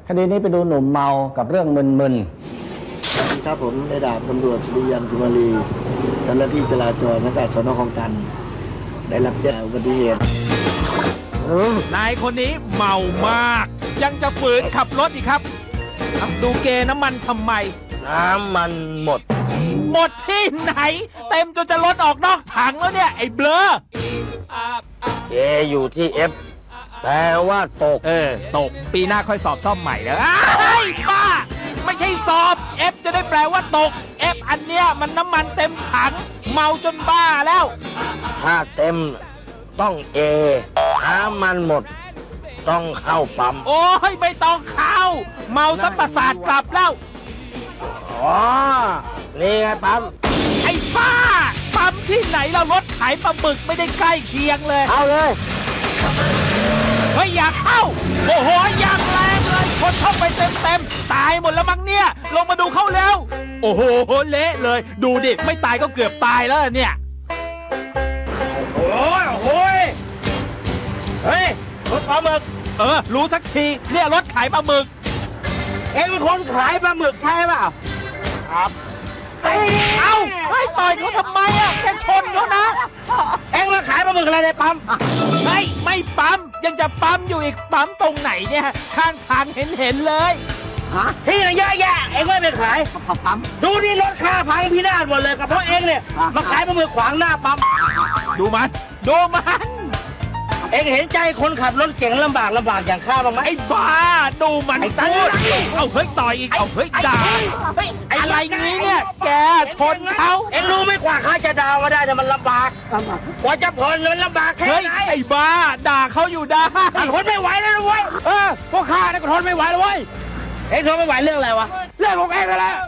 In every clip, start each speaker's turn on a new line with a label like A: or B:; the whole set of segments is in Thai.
A: คดีนี้ไปดูหนุ่มเมากับเรื่องมึน
B: ๆครับผมในดาบตำรวจสุริยันสุมาลีเจ้าหน้าที่จราจรสังกัดสน.คลองตันได้รับแจ้งอุบัติเหตุ
C: นายคนนี้เมามาก ยังจะฝืนขับรถอีกครับดูเกน้ำมันทำไม
B: น้ำมันหมด
C: ที่ไหนเต็มจนจะล้นออกนอกถังแล้วเนี่ยไอ้เบลอ
B: เจอยู่ที่ F แปลว่าตก
C: ตกปีหน้าค่อยสอบซ่อมใหม่แล้วบ้าไม่ใช่สอบ F จะได้แปลว่าตก F อันเนี้ยมันน้ำมันเต็มถังเมาจนบ้าแล้ว
B: ถ้าเต็มต้อง A น้ำมันหมดต้องเข้าปั๊ม
C: โอ้ยไม่ต้องเข้าเมาซับประสาทกลับแล้ว
B: อ๋อนี่ไงปั๊ม
C: ไอ้บ้าปั๊มที่ไหนเรารถขายปลาหมึกไม่ได้ใกล้เคียงเลย
B: เอาเลย
C: เฮ้ยอยากเข้าโอ้โหอย่างแรงเลยคนเข้าไปเต็มตายหมดแล้วมั้งเนี่ยลงมาดูเข้าแล้วโอ้โหเละเลยดูดิไม่ตายก็เกือบตายแล้วเนี่ย
B: โอ้ยเฮ้ยรถปลาหมึก
C: รู้สักทีเนี่ยรถขายปลาหมึก
B: เอ็งเป็นคนขายปลาหมึกใช่เปล่าครับ
C: ให้ต่อยเขาทำไมอ่ะแกชนเขานะ
B: เอ็งมาขายปลาหมึกอะไรในปั๊ม
C: ไม่ปั๊มยังจะปั๊มอยู่อีกปั๊มตรงไหนเนี่ยข้างทางเห็นเลย
B: ที่ไหนเยอะแยะเอ็งไม่ไปขายปั๊มดูนี่รถค่าพังพินาศหมดเลยกับเพราะเอ็งเนี่ยมาขายปลาหมึกขวางหน้าปั๊ม
C: ดูมัน
B: เอ็งเห็นใจคนขับรถเก่งลำบากอย่างข้าบ้างไหม
C: ไอ้บ้าดูมันพูดเอาเฮ้ยต่อยอีกเอาเฮ้ยด่าอะไรงี้เนี่ยแกชนเขา
B: เอ็งรู้ไหมกว่าข้าจะดาวมาได้แต่มันลำบากกว่าจะผ่อนมันลำบากแค่ไหน
C: ไอ้บ้าด่าเขาอยู่ได้
B: ทนไม่ไหวแล้วเว้ยพวกข้าเนี่ยก็ทนไม่ไหวแล้วเว้ยเอ็งทนไม่ไหวเรื่องอะไรวะเรื่องของเอ็งนั่นแหละ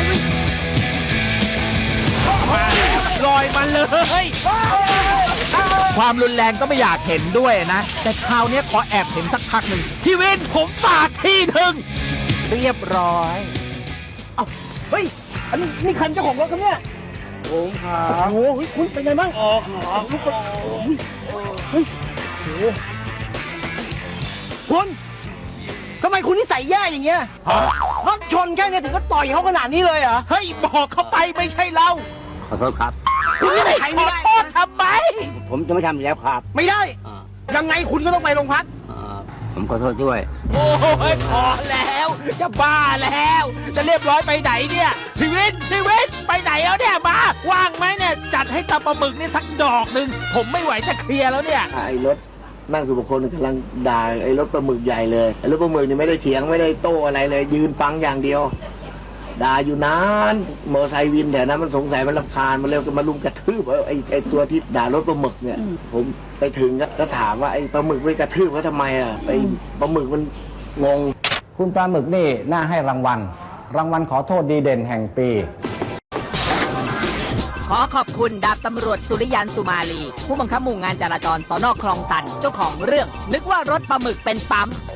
C: ลอยมันเลยความรุนแรงก็ไม่อยากเห็นด้วยนะแต่คราวนี้ขอแอบเห็นสักพักหนึ่งพี่วินผมฝากที่หนึ่งเรียบร้อย
B: เฮ้ยอันนี้นี่คันเจ้าของรถครับเนี่ยผมครับโอ้โหคุณเป็นไงบ้างลูกเฮ้ยคุณทำไมคุณนิสัยแย่อย่างเงี้ยรถชนแค่นี้ถึงก็ต่อยเขาขนาดนี้เลยเหรอ
C: เฮ้ยบอกเขาไปไม่ใช่เรา
B: ขอโทษครับ
C: คุณไม่ขอโทษทำไม
B: ผมจะไม่ทำอีกแล้วครับ
C: ไม่ได้ยังไงคุณก็ต้องไปโรงพัก
B: ผมขอโทษด้วย
C: โอ้ยพอแล้วจะบ้าแล้วจะเรียบร้อยไปไหนเนี่ยพี่วินไปไหนแล้วเนี่ยมาว่างไหมเนี่ยจัดให้ตาปลาหมึกนี่สักดอกหนึ่งผมไม่ไหวจะเคลียร์แล้วเนี่ย
B: ไอ้รถนั่งสุภคนกำลังด่าไอ้รถปลาหมึกใหญ่เลยไอ้รถปลาหมึกนี่ไม่ได้เถียงไม่ได้โต้อะไรเลยยืนฟังอย่างเดียวด่าอยู่นานมอไซค์วินแถวนั้นมันสงสัยมันรำคาญมันเร็วก็มาลุมกระทืบไอ้ตัวที่ด่ารถปลาหมึกเนี่ยผมไปถึงก็ถามว่าไอ้ปลาหมึกไปกระทืบเขาทำไมไอ้ปลาหมึกมันงง
A: คุณปลาหมึกนี่น่าให้รางวัลขอโทษดีเด่นแห่งปี
D: ขอขอบคุณดาบตำรวจสุริยันสุมาลีผู้บังคับหมู่งานจราจรสน.คลองตันเจ้าของเรื่องนึกว่ารถปลาหมึกเป็นปั๊ม